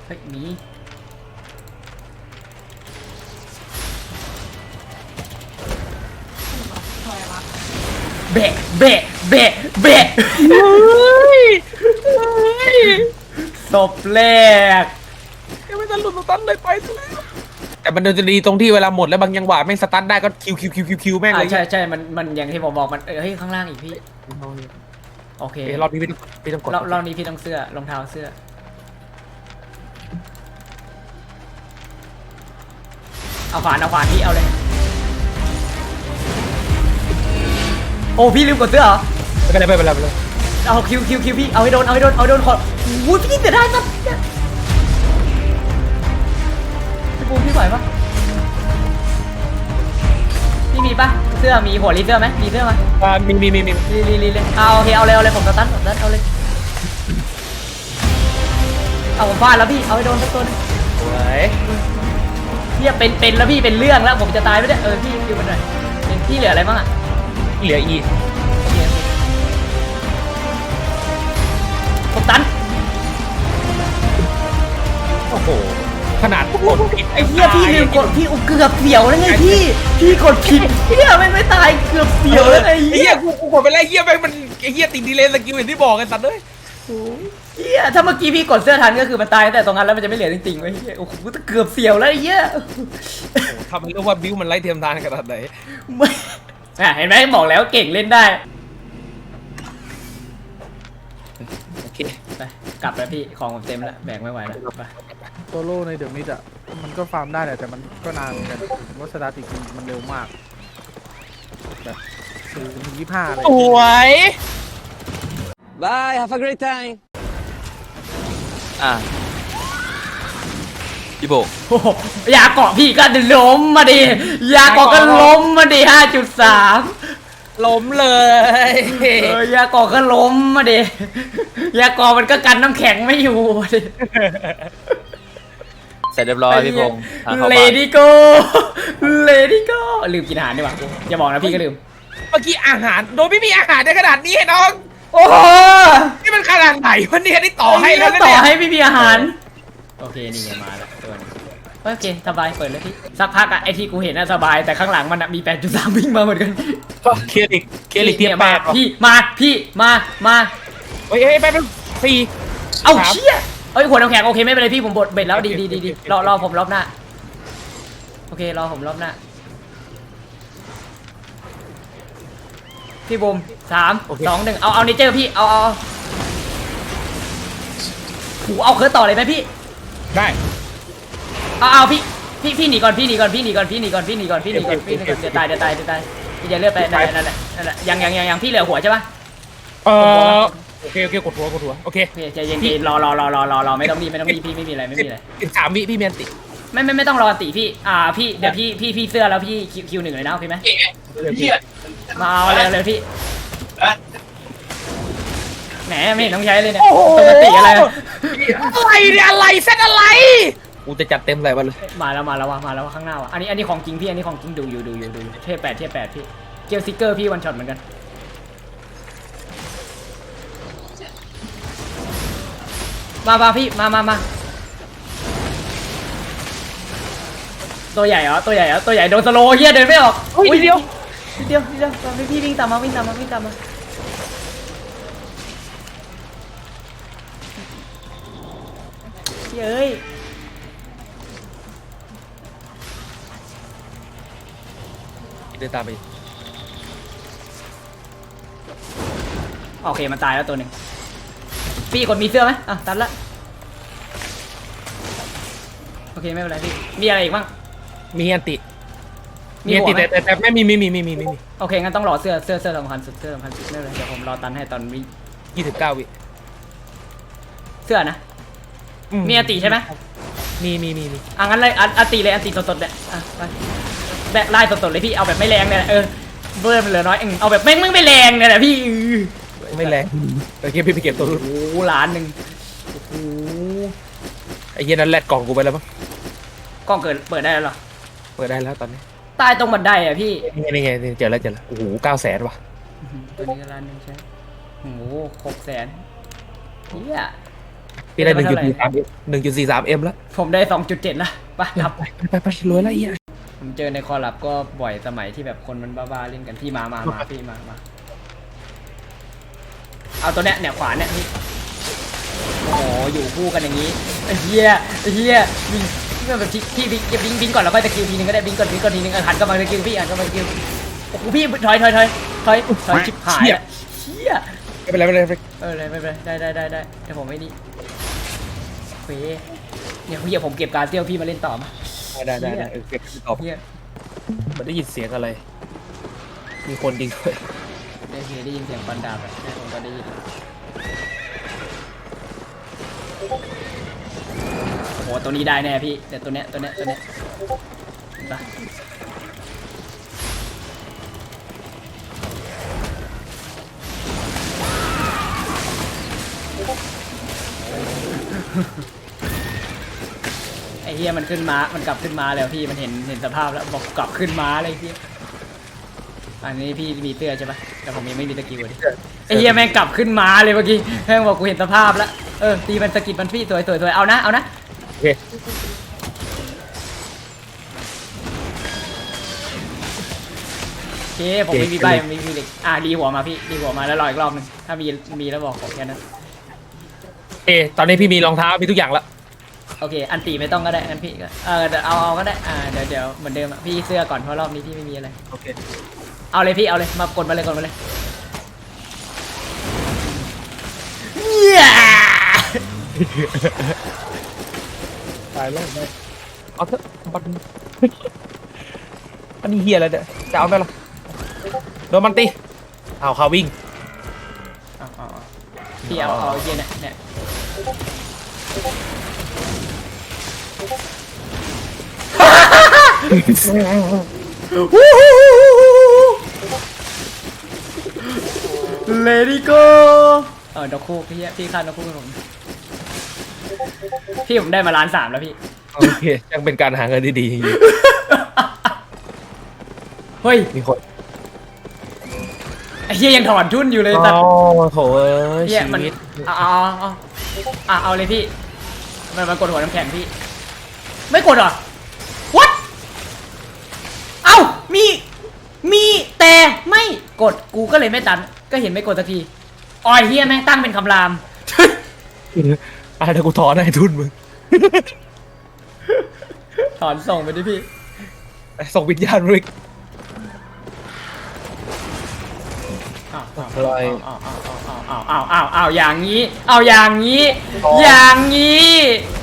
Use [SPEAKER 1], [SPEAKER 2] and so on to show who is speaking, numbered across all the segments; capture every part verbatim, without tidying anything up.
[SPEAKER 1] ฮ้ยมีเบะเบะเบะเบะศพแรก
[SPEAKER 2] ยังไม่ทันหลุดสตันเลยไปซะแล้วแต่มันจะดีตรงที่เวลาหมดแล้วบางจังหวะแม่งสตันได้ก็คิวคิวคิวคิวคิวแม่งเลย
[SPEAKER 1] ใช่ใช่มันมันอย่างที่ผมบอกมันเออเฮ้ยข้างล่างอีกพี่โอเค
[SPEAKER 2] รอบนี้พี่ต้องพี่ต้องกด
[SPEAKER 1] รอบรอบนี้พี่ต้องเสื้อรองเท้าเสื้อเอาขวานเอาขวานพี่เอาเลยโอ้พี่ลืมกดเสื้อเหรอ
[SPEAKER 2] ไม่เป็นไรไม่เป็นไรไม่เป็นไร
[SPEAKER 1] เอาคิวคิวคิวพี่เอาให้โดนเอาให้โดนเอาให้โดนขอวู้พี่เสียดายสัสพี่ปูพี่ไหวปะพี่มีปะเสื้อมีหัวรีเสื้อไหมมีเสื้อไหม
[SPEAKER 2] อ่ามีมีมีมี
[SPEAKER 1] รีรีรีเลยเอาโอเคเอาเลยเอาเลยผมสตันผมสตันเอาเลยเอาผมฟาดแล้วพี่เอาให้โดนสักตัวนึง
[SPEAKER 2] สวย
[SPEAKER 1] พี่จะเป็นเป็นแล้วพี่เป็นเรื่องแล้วผมจะตายไม่ได้เออพี่คิวมันหน่อยเป็นพี่เหลืออะไรบ้างอ่ะ
[SPEAKER 2] เหลืออี
[SPEAKER 1] ผมตัน
[SPEAKER 2] โอ้โหขนาดกดผิด
[SPEAKER 1] ไอ้เหี้ยพี่ลืมกดพี่เกือบเสียวแล้วไงพี่พี่กดผิดเหี้ยไม่ไม่ตายเกือบเสียวแล้วไง
[SPEAKER 2] ไอ้เหี้ยกูกูกดไปแล้วเหี้ยแม่งมันไอ้เหี้ยติดดีเลย์สกิลอย่างที่บอกกันสัตว์เลย
[SPEAKER 1] เหี้ยถ้าเมื่อกี้พี่กดเสื้อทันก็คือมันตายแต่ตรงนั้นแล้วมันจะไม่เหลือจริงๆไอ้เหี้ยโอ้โหเกือบเสียวแล้วไอ้เหี้ย
[SPEAKER 2] ทำให้รู้ว่าบิวมันไร้เทียมทานขนาดไหน
[SPEAKER 1] ไม่อ่ะเห็นไหมบอกแล้วเก่งเล่นได้
[SPEAKER 2] โอเค
[SPEAKER 1] ไปกลับแล้วพี่ของผมเต็มแล้วแบกไม่ไหวแล้วไป
[SPEAKER 3] โซโล่ในเดอะมิดอ่ะมันก็ฟาร์มได้แหละแต่มันก็นานเหมือนกันวัสดาติกมันเร็วมากแบบสี่ถึงยี่ห้าเลย
[SPEAKER 2] สวย
[SPEAKER 4] Bye, have a great time. อ่ะพี่โบ
[SPEAKER 1] โอ้โหยาเกาะพี่ก็ล้มมาดิยาเกาะก็ล้มมาดิห้าจุดสาม
[SPEAKER 2] ล้มเลย
[SPEAKER 1] เออยาเกาะก็ล้มมาดิยาเกาะมันก็กันน้ำแข็งไม่อยู่ดิ
[SPEAKER 4] เสร็จเรียบร้อยพี่พงษ์ทางเข้า
[SPEAKER 1] เล
[SPEAKER 4] บ้าน
[SPEAKER 1] ดี้โกเลดี้โกลืมกินอาหารดีกว่าอย่าบอกนะพี่ก็ลืม
[SPEAKER 2] เมื่อกี้อาหารโดยไม่มีอาหารในขนาดนี้น้อง
[SPEAKER 1] โอ้โห
[SPEAKER 2] นี่มันขนาดไหนวะเนี่ยนี่ต่อให้แล้วนะ
[SPEAKER 1] ต่อ
[SPEAKER 2] เนี่ย
[SPEAKER 1] ให้ไม่มีอาหารโอเคนี่ไงมาแล้วตัวนี้โอเคสบายเปิดเลยพี่สักพักอะไอที่กูเห็นน่ะสบายแต่ข้างหลังมันอะมี แปดจุดสาม วิ่งมาเหมือนกัน
[SPEAKER 2] เคลียร์อีกเคลียร์อีกเทียบแป
[SPEAKER 1] มา
[SPEAKER 2] ด
[SPEAKER 1] พี่มาพี่มามา
[SPEAKER 2] เฮ้ยเฮ้ยแป๊บนึงสี่
[SPEAKER 1] เอา
[SPEAKER 2] สาม
[SPEAKER 1] เชี่ยเอ้ยหัวน้ำแข็งโอเคไม่เป็นไรพี่ผมบดเบ็ดแล้วดีดีดีดีรอรอผมรอบหน้าโอเครอผมรอบหน้าพี่บูมสามสองหนึ่งเอาเอาเนเจอร์พี่เอาเอาหูเอาเคิร์ดต่อเลยไหมพี่
[SPEAKER 2] ได้
[SPEAKER 1] เอาเอาพี่พี่พี่หนีก่อนพี่หนีก่อนพี่หนีก่อนพี่หนีก่อนพี่หนีก่อนพี่หนีก่อนพี่หนีก่อนเดี๋ยวตายเดี๋ยวตายเดี๋ยวตายพี่จะเลือกไปนั่นแหละนั่นแหละนั่นแหละยังยังยังยังพี่เหลือหัวใช่ปะ
[SPEAKER 2] เออโอเคโอเคกดหัวกดหัวโอเค
[SPEAKER 1] โอเคใจเย็นๆรอรอรอรอรอรอไม่ต้องรีบไม่ต้องรีบพี่ไม่มีอะไรไม่มีอะไร
[SPEAKER 2] อีกสามวิพี่เมียนติ
[SPEAKER 1] ไม่ไม่ไม่ต้องรอตีพี่อ่าพี่เดี๋ยวพี่พี่พี่เสื้อแล้วพี่คิวคิวหนึ่งเลยนะโอเคไหมมาเอาเลยเลยพี่แหมไม่เห็นต้องใช้เลยเนี่ยปกติอะไร
[SPEAKER 2] อะไรเนี่ยอะไรเซตอะไรกูจะจัดเต็มเลยวันเลย
[SPEAKER 1] มาแล้วมาแล้วว่ะมาแล้วว่ะข้างหน้าว่ะอันนี้อันนี้ของจริงพี่อันนี้ของจริงดูอยู่ดูอยู่ดูอยู่เทียบแปดเทียบแปดพี่เกียวซิกเกอร์พี่วันช็อตเหมือนกันมามาพี่มามามาตัวใหญ่เหรอตัวใหญ่เหรอตัวใหญ่โดนสโลว์เฮียเดินไม่ออก
[SPEAKER 2] อุ้ยเดียว
[SPEAKER 1] นิดเดียวนิดเดียวพี่พี่วิ่งตามมาวิ่งตามมาวิ่งตามมาเย้ย
[SPEAKER 2] เดินตามไป
[SPEAKER 1] โอเคมันตายแล้วตัวหนึ่งพี่กดมีเสื้อไหมอ่ะตัดละโอเคไม่เป็นไรพี่มีอะไรอีกบ้าง
[SPEAKER 2] มีอันติ
[SPEAKER 1] มี
[SPEAKER 2] มีอัน
[SPEAKER 1] หั
[SPEAKER 2] ติ
[SPEAKER 1] วไหม
[SPEAKER 2] แต่แต่แต่ไม่มีมีมีมีมีมีมี
[SPEAKER 1] โอเคงั้นต้องรอเสื้อเสื้อเสื้อสำคัญสุดเสื้อสำคัญสุดไม่เป็นไรเดี๋ยวผมรอตันให้ตอนวิ่ง
[SPEAKER 2] ยี่สิบเก้าวิ
[SPEAKER 1] เสื้อนะมีอติใช่ไหม
[SPEAKER 2] มีมีมีมี
[SPEAKER 1] อ่ะงั้นเลยอติเลยอติสดๆเนี่ยอ่ะไปแบบไล่สดๆเลยพี่เอาแบบไม่แรงเนี่ยเออเบิร์มันเหลือน้อยเองเอาแบบไม่ไม่ไม่แรงเนี่ยแหละพี่
[SPEAKER 2] ไม่แรงโอเคพี่ไปเก็บตัวรุ่น
[SPEAKER 1] โอ้โหล้านหนึ่งโอ้โห
[SPEAKER 2] ไอ้เหี้ยนั้นแลดกล่องกูไปแล้วมั้ง
[SPEAKER 1] กล้องเกิดเปิดได้แล้วเหรอ
[SPEAKER 2] เปิดได้แล้วตอนนี้
[SPEAKER 1] ใต้ตรงบันไดอ่ะพี่
[SPEAKER 2] นี่ไงนี่ไงเจอแล้วเจอแล้วโอ้โหเก้าแสนว่ะ
[SPEAKER 1] ตัวนี้ก็ล้านหนึ่งใช่โอ้โหหกแสนเฮีย
[SPEAKER 2] โอเคพี่ได้หนึ่งจุดสี่สามหนึ่งจุดสี่สามเอ็มแล้ว
[SPEAKER 1] ผมได้สองจุดเจ็ดละไปครับ
[SPEAKER 2] ไปไปไปรวยแล้วไอ้เหี้ย
[SPEAKER 1] ผมเจอในคอลับก็บ่อยสมัยที่แบบคนมันบ้าๆเล่นกันพี่มามามาพี่มามาเอาตัวเนี้ยเนี่ยขวาเนี่ยพี่โอ้โหอยู่คู่กันอย่างนี้ไอ้เหี้ยไอ้เหี้ยบิงแบบพี่บิงบิงบิงก่อนแล้วก็ตะคิวทีนึงก็ได้บิงก่อนบิงก่อนทีนึงหันก็มาตะคิวพี่หันก็มาตะคิวโอ้โหพี่ถอยถอยถอยถอยถอยชิบหายละเหี้ย
[SPEAKER 2] ไม่เป็นไรไม่เป็นไร
[SPEAKER 1] เออเลยไม่เป็นไรได้ได้ได้ได้เดี๋ยวผมไม่นี่เฟ้เนี่ยพี่ผมเก็บการเตี้ยวพี่มาเล่นต่อมา
[SPEAKER 2] ได้ได้ได้เออเก็บตอบ
[SPEAKER 1] เฮีย
[SPEAKER 2] มันได้ยินเสียงอะไร มีคนดิงด้วย
[SPEAKER 1] ได้ยินได้ยินเสียงฟันดาบอะได้ผมก็ได้ยินโอ้โหตัวนี้ได้แน่พี่เดี๋ยวตัวเนี้ยตัวเนี้ยตัวเนี้ยเห็นปะไอ้เฮียมันขึ้นมามันกลับขึ้นมาแล้วพี่มันเห็นเห็นสภาพแล้วบอกกลับขึ้นมาเลยพี่อันนี้พี่มีเสื้อใช่ปะแต่ผมยังไม่มีตะกิ้วดิไอ้เฮียแม่งกลับขึ้นมาเลยเมื่อกี้แม่งบอกกูเห็นสภาพแล้วเออตีมันสกิดมันพี่สวยสวยสวยเอานะเอานะ
[SPEAKER 2] โอเค
[SPEAKER 1] โอเคผมไม่มีใบไม่มีเหล็กอ่ะรีหัวมาพี่รีหัวมาแล้วรออีกรอบหนึงถ้ามีมีแล้วบอกผมแค่นั้น
[SPEAKER 2] เอตอนนี้พี่มีรองเท้ามีทุกอย่างแล้ว
[SPEAKER 1] โอเคอันตีไม่ต้องก็ได้งั้นพี่ก็เออเดี๋ยวเอาเอาก็ได้อ่าเดี๋ยวเดี๋ยวเหมือนเดิมอะพี่เสื้อก่อนเพราะรอบนี้พี่ไม่มีอะไร
[SPEAKER 2] โอเค
[SPEAKER 1] เอาเลยพี่เอาเลยมากดมาเลยกดมาเลยเหี้ย
[SPEAKER 2] ตายแล้วได้เอาเถอะบันอันนี้เฮียอะไรเนี่ยจะเอาไหมล่ะโดนมันตีเอาเขาวิ่ง
[SPEAKER 1] เอาเอาเอาพี่เอาเอาไอ้เหี้ยเนี่ยเนี่ยเลดี้โก้เออดอกคู่พี่พี่คาดดอกคู่กับผมพี่ผมได้มาล้านสามแล้วพี่
[SPEAKER 2] โอเคยังเป็นการหาเงินที่ดีจริง
[SPEAKER 1] เฮ้ย
[SPEAKER 2] ๆมีคน
[SPEAKER 1] ไอ้เหี้ยยังถอนทุนอยู่เลย
[SPEAKER 2] โอ้
[SPEAKER 1] สัตว์
[SPEAKER 2] โหเอ้ย
[SPEAKER 1] เหี้ย
[SPEAKER 2] ชี
[SPEAKER 1] มัน
[SPEAKER 2] วิต
[SPEAKER 1] เอาเอาเอาเอาเอาเลยพี่มันมันกดหัวน้ำแข็งพี่ไม่กดเหรอ what เอ้ามีมีแต่ไม่กดกูก็เลยไม่ตันก็เห็นไม่กดสักทีอ๋อไอ้เหี้ยแม่งตั้งเป็นคำราม
[SPEAKER 2] อ่ะเดี๋ยวกูถอนให้ทุนมึง
[SPEAKER 1] ถอนส่งไปดิพี่
[SPEAKER 2] ส่งวิญญาณริก
[SPEAKER 1] อ้าวอ้าว
[SPEAKER 2] อะไร
[SPEAKER 1] อ้าวอ้าวอ้าวอ้าวอ้าวอ้าวอ้าวอย่างนี้ เอาอย่างนี้ อย่างนี้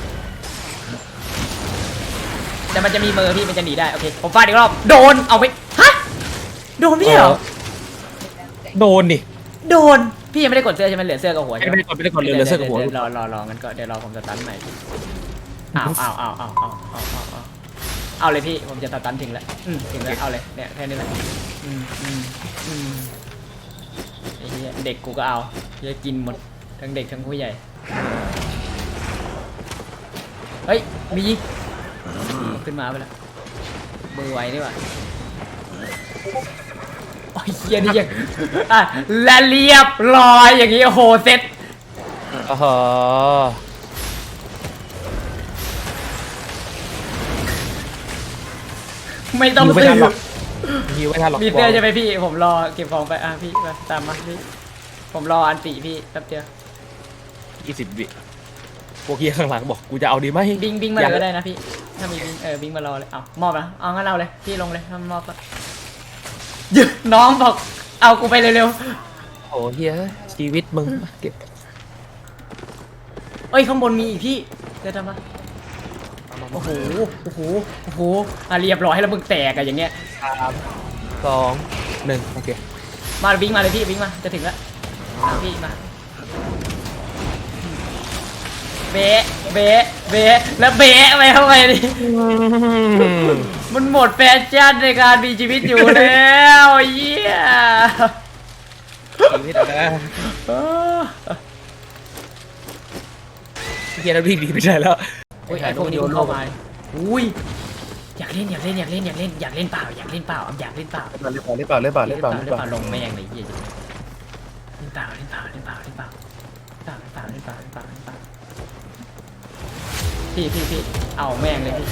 [SPEAKER 1] แต่มันจะมีมือพี่มันจะหนีได้โอเคผมฟาดอีกรอบโดนเอาไปฮะโดนพี่เหรอ
[SPEAKER 2] โดนดิ
[SPEAKER 1] โดนพี่ยังไม่ได้กดเสื้อใช่ไหมเหลือเสื้อกับหัว
[SPEAKER 2] ไม่
[SPEAKER 1] ใช่ไหม
[SPEAKER 2] ได้กดไม่ได้กดเลยเหลือเสื้อกับหัว
[SPEAKER 1] ดี๋ยรอรอรองั้นก็เดี๋ยวรอผมสตันใหม่พี่อ้าวอ้าวอ้าวอ้าวอ้าวอ้าวอ้าวอ้าวเอาเลยพี่ผมจะสตันถึงแล้วอืมถึงแล้วเอาเลยเนี่ยแค่นี้แหละอืมอืมอืมไอ้เหี้ยเด็กกูก็เอาจะกินหมดทั้งเด็กทั้งผู้ใหญ่เฮ้ยมีขึ้นมาไปแล้วมือไวนี่หว่าโอ้ยเฮียนี่ยังอ่ะและเรียบร้อยอย่างงี้โอ้โหเซ็ต
[SPEAKER 2] อ๋อ
[SPEAKER 1] ไม่ต้อง
[SPEAKER 2] ไม่
[SPEAKER 1] ซื้
[SPEAKER 2] ทันหรอก
[SPEAKER 1] อ
[SPEAKER 2] ฮิวไม่ทันหรอก
[SPEAKER 1] มีเสื้อใช่ไหมพี่ผมรอเก็บของไปอ่ะพี่มาตามมาพี่ผมรออันติพี่แป๊บเดียว
[SPEAKER 2] ยี่สิบวิพวกเฮียข้างหลังบอกกูจะเอาดีไหม
[SPEAKER 1] บิงบิงมาเลยก็ได้นะพี่ถ้ามีบิงเออบิงมารอเลยเอามอบนะเอางั้นเอาเลยพี่ลงเลยถ้ามอบก็หยุดน้องบอกเอากูไปเร็ว
[SPEAKER 2] โอ้เฮียชีวิตมึงเก็บ
[SPEAKER 1] ๆเอ้ยข้างบนมีอีกพี่เดี๋ยวทำมาโอ้โหโอ้โหโอ้โหอ่ะเรียบร้อยแล้วมึงแตกอะอย่างเงี้ย
[SPEAKER 2] สามสองหนึ่งโอเค
[SPEAKER 1] มาบิงมาเลยพี่บิงมาจะถึงแล้วมาพี่มาเบะเบะเบะแล้วเบะไปเข้าไปดิ มันหมดแฟชั่นในการมีชีวิตอยู่แล้วเยี่ย
[SPEAKER 2] ชีวิตอะนะเฮียแล้ววิ่งหนีไม่ได้แล้ว
[SPEAKER 1] โอ้ยไอพวกนี้เพิ่งเข้ามาอุ้ยอยากเล่นอยากเล่นอยากเล่นอยากเล่นอยากเล่นเปล่าอยากเล่นเปล่าอยากเล่นเปล่า
[SPEAKER 2] เล่นเปล่าเล่นเปล่าเล่นเปล่าเล่นเปล่า
[SPEAKER 1] เล่
[SPEAKER 2] เล่
[SPEAKER 1] น
[SPEAKER 2] น
[SPEAKER 1] เป
[SPEAKER 2] เป
[SPEAKER 1] ล่า
[SPEAKER 2] ล่า
[SPEAKER 1] ลงไม่ยังเลยเยี่ยเล่นเปล่าเล่นเปล่าเล่นเปล่าเล่นเปล่าเล่นเปล่าเล่นเปล่าเล่นเปล่าเล่นเปล่าเล่นเปล่าพี่พี่พี่เอาแม่งเลยพี่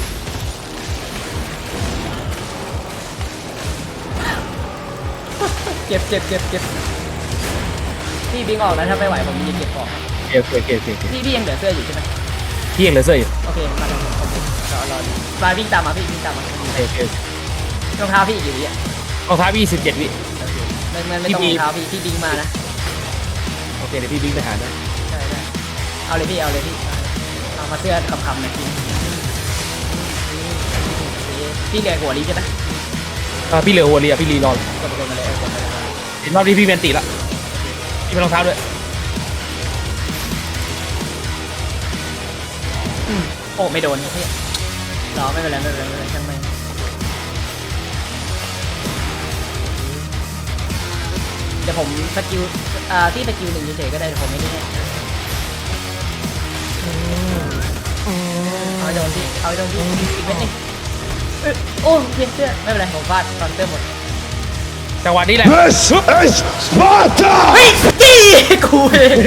[SPEAKER 1] เจ็บเจ็บเจ็บเจ็บพี่บิงออกนะถ้าไม่ไหวผมจะเก็บของ
[SPEAKER 2] โอเคโอเคโอเคโอเค
[SPEAKER 1] พี่พี่ยังเหลือเสื้ออยู่ใช่ไหม
[SPEAKER 2] พี่ยังเหลือเสื้ออยู่
[SPEAKER 1] โอเคมาเลยโอเครอรอมาวิ่งตามมาพี่วิ่งตามมา
[SPEAKER 2] โอเคโอเค
[SPEAKER 1] รองเท้าพี่กี่วิอ่ะ
[SPEAKER 2] รองเท้าพี่สิบเจ็ดวิ
[SPEAKER 1] ไม่ไม่ไม่ต้องรองเท้าพี่พี่บิงมานะ
[SPEAKER 2] โอเคเดี๋ยวพี่วิ่งไปหาด้วย
[SPEAKER 1] ใช่ได้เอาเลยพี่เอาเลยพี่เอามาเสื้อคำๆหน่อยพี่พี่เหลือหัวลีใช่ไหม
[SPEAKER 2] อ่าพี่เหลือหัวเรียพี่รีรอก
[SPEAKER 1] ดกดมาเลยกดมาเลย
[SPEAKER 2] เห็นรอบนี้พี่เวนติละพี่เป็นรองเท้าด้วย
[SPEAKER 1] โอ้ไม่โดนพี่รอไม่เป็นไรไม่เป็นไรไม่เป็นไรช่างไม่เดี๋ยวผมสกิลอ่าที่สกิลหนึ่งเฉยๆก็ได้แต่ผมไม่ได้เอาโดนพี่เอาโดนพี่อีกเม็ดนึงโอ้เพียงเสื้อไม่เป็นไรผมฟาดตอนเสื้อหมด
[SPEAKER 2] จังหวะนี้แหละ
[SPEAKER 5] This is Sparta!
[SPEAKER 1] เฮ้ยจี้กูเอง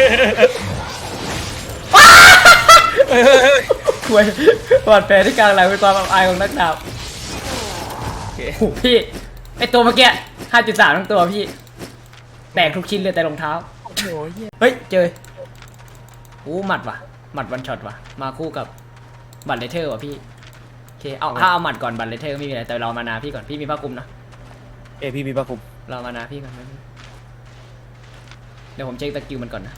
[SPEAKER 1] คุยบอดแผลที่กลางหลังเป็นความอับอายของนักดาบโอ้โหพี่ไอตัวเมื่อกี้ ห้าจุดสาม ทั้งตัวพี่แตกทุกชิ้นเลยแต่รองเท้าเฮ้ยเจอโอ้หมัดว่ะหมัดวันช็อตว่ะมาคู่กับบัตรเลเทอร์ว่ะพี่โอเคเอาถ้าเอาหมัดก่อนบัตรเลเทอร์ไม่มีอะไรแต่เรามานาพี่ก่อนพี่มีผ้าคลุมนะ
[SPEAKER 2] เอยพี่มีปะคุม
[SPEAKER 1] เรามานาพี่ก่อนนะเดี๋ยวผมเช็คสกิลมันก่อนนะ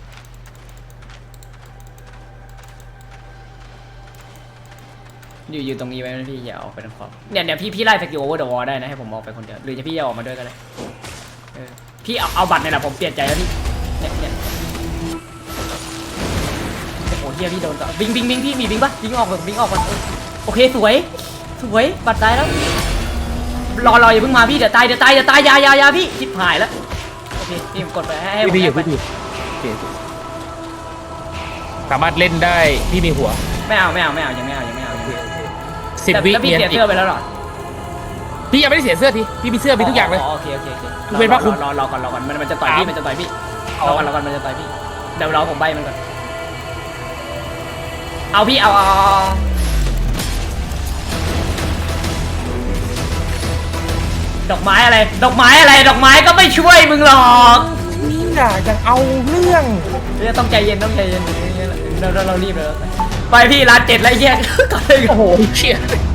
[SPEAKER 1] อยู่อยู่ตรงนี้ไว้นะพี่อย่าออกไปทางขวาเนี่ยเดี๋ยวพี่พี่ไล่สกิลโอเวอร์เดอะวอลได้นะให้ผมออกไปคนเดียวหรือจะพี่จะออกมาด้วยก็ได้เออพี่เอาเอาบัตรเนี่ยแหละผมเปลี่ยนใจแล้วพี่เนี่ยเนี่ยโอ้โหเฮียพี่โดนต่อบิงบิงบิงพี่มีบิงปะบิงออกก่อนบิงออกก่อนเออโอเคสวยสวยบัตรตายแล้วรอรออย่าเพิ่งมาพี่เดี๋ยวตายเดี๋ยวตายเดี๋ยวตายอยาอยาอยาพี่ชิบหายแล้วโอเคพี่ผมกดไปให้ให้ผม
[SPEAKER 2] พี่พี่อยู่
[SPEAKER 1] ไป
[SPEAKER 2] พี่อยู่โอเคสามารถเล่นได้พี่มีหัว
[SPEAKER 1] ไม่เอาไม่เอาไม่เอายังไม่เอายังไม่เอา
[SPEAKER 2] สิบ
[SPEAKER 1] แต่
[SPEAKER 2] วิ
[SPEAKER 1] แล้วพี่
[SPEAKER 2] เนียน
[SPEAKER 1] เสีย
[SPEAKER 2] ติ
[SPEAKER 1] เสื้อไปแล้วเหรอ
[SPEAKER 2] พี่ยังไม่ได้เสียเสื้อทีพี่มีเสื้อมีทุกอย่างเลย
[SPEAKER 1] โอเคโอเคโอเค
[SPEAKER 2] ยกเว้นผ้าคลุม
[SPEAKER 1] รอรอก่อนรอก่อนมันมันจะต่อยพี่มันจะต่อยพี่รอก่อนรอก่อนมันจะต่อยพี่เดี๋ยวรอผมใบมันก่อนเอาพี่เอาเอาเอาดอกไม้อะไร ดอกไม้อะไร ดอกไม้ก็ไม่ช่วยมึงหรอก
[SPEAKER 2] นี่น่ะยังเอาเรื่อง
[SPEAKER 1] เนี่ยต้องใจเย็นต้องใจเย็นเราเราเรารีบเลยไปพี่ร้านเจ็ดแล้วแยกก่อนเลย
[SPEAKER 2] โอ้โหเชี่ย